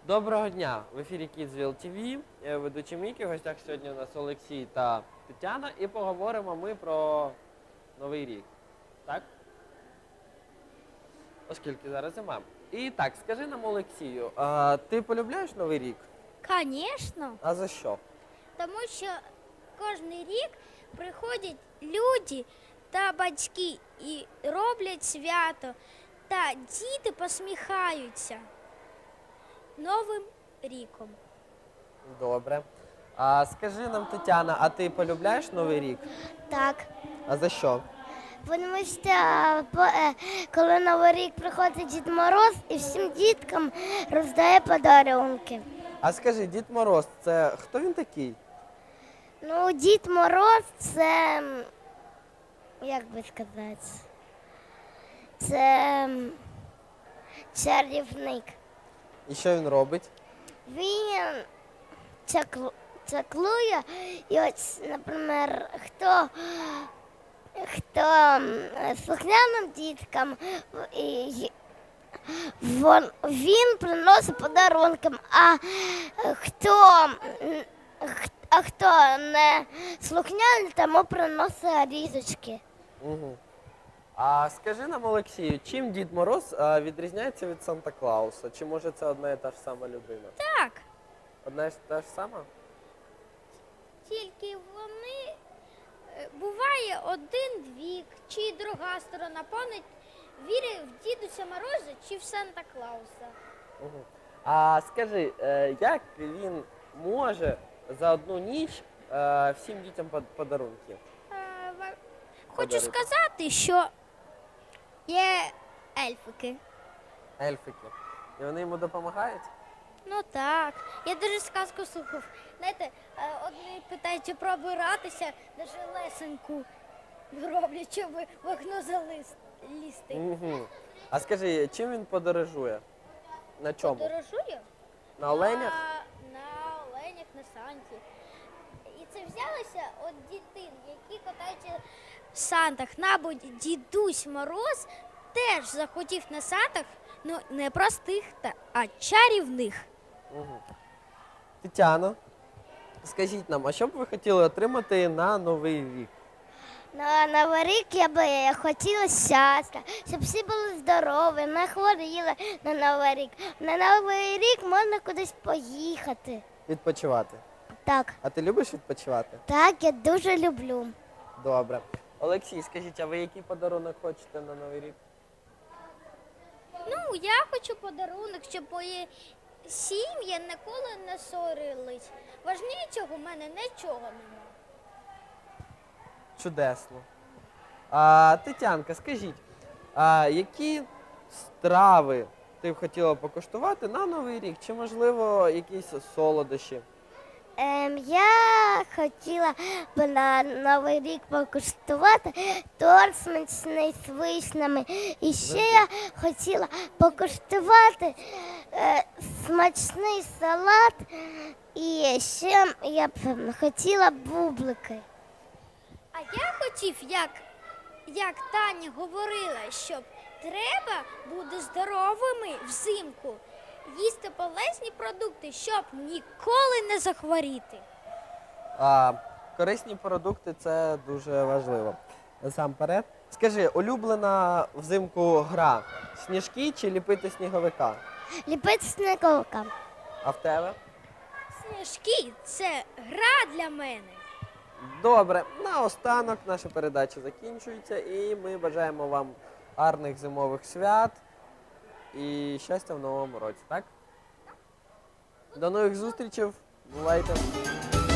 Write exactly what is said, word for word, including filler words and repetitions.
Доброго дня! В ефірі Kidsville ті ві. Я ведучий Мікі. В гостях сьогодні у нас Олексій та Тетяна. І поговоримо ми про Новий рік. Так? Оскільки зараз зима. І так, скажи нам, Олексію, а ти полюбляєш Новий рік? Звісно, А за що? тому що кожен рік приходять люди та батьки і роблять свято, та діти посміхаються Новим ріком. Добре. А скажи нам, Тетяна, а ти полюбляєш Новий рік? Так, А за що? тому що по- е, коли Новий рік приходить Дід Мороз і всім діткам роздає подарунки. А скажи, Дід Мороз, це хто він такий? Ну, Дід Мороз це, м, як би сказати, це м, чарівник. І що він робить? Він чаклу- чаклує, і ось, наприклад, хто, хто м, слухняним діткам і вон- він приносить подарунки, а хто, м, х- а хто не слухняний, тому приносить різочки. Угу. А скажи нам, Олексію, чим Дід Мороз а, відрізняється від Санта Клауса? Чи може це одна і та ж сама людина? Так, Одна і та ж сама? тільки вони е, буває один вік, чи друга сторона понад вірить в Дідуся Мороза чи в Санта Клауса. Угу. А скажи, е, як він може за одну ніч е, всім дітям под- подарунки? Е, ва- Хочу Подарити. сказати, що є ельфики. Ельфики. І вони йому допомагають? Ну так. Я дуже сказку слухав. Знаєте, е, одні питають, чи пробиратися, даже лесеньку роблять, щоб в окно залізти. Угу. А скажи, чим він подорожує? На чому? Подорожує? На оленях? На, на оленях, на санті. І це взялося від дітей, які катаються в сантах. Мабуть, дідусь Мороз теж захотів на сантах, ну не простих, та, а чарівних. Угу. Тетяно, скажіть нам, а що б ви хотіли отримати на Новий рік? На Новий рік я би хотіла щастя, щоб всі були здорові, не хворіли на Новий рік. На Новий рік можна кудись поїхати. Відпочивати. Так, А ти любиш відпочивати? так, я дуже люблю. Добре. Олексій, скажіть, а ви який подарунок хочете на Новий рік? Ну, я хочу подарунок, щоб мої сім'ї ніколи не ссорились. Важнішого в мене нічого немає. Чудесно. А, Тетянка, скажіть, а які страви ти б хотіла покуштувати на Новий рік? Чи, можливо, якісь солодощі? Ем, я хотіла б на Новий рік покуштувати торт смачний з вишнями. І ще я хотіла покуштувати е, смачний салат. І ще я б хотіла бублики. А я хотів, як, як Таня говорила, щоб треба бути здоровими взимку, їсти полезні продукти, щоб ніколи не захворіти. А, корисні продукти – це дуже важливо. Насамперед. Скажи, улюблена взимку гра – сніжки чи ліпити сніговика? Ліпити сніговика. А в тебе? Сніжки – це гра для мене. Добре, наостанок наша передача закінчується і ми бажаємо вам гарних зимових свят і щастя в новому році, так? До нових зустрічей, бувайте!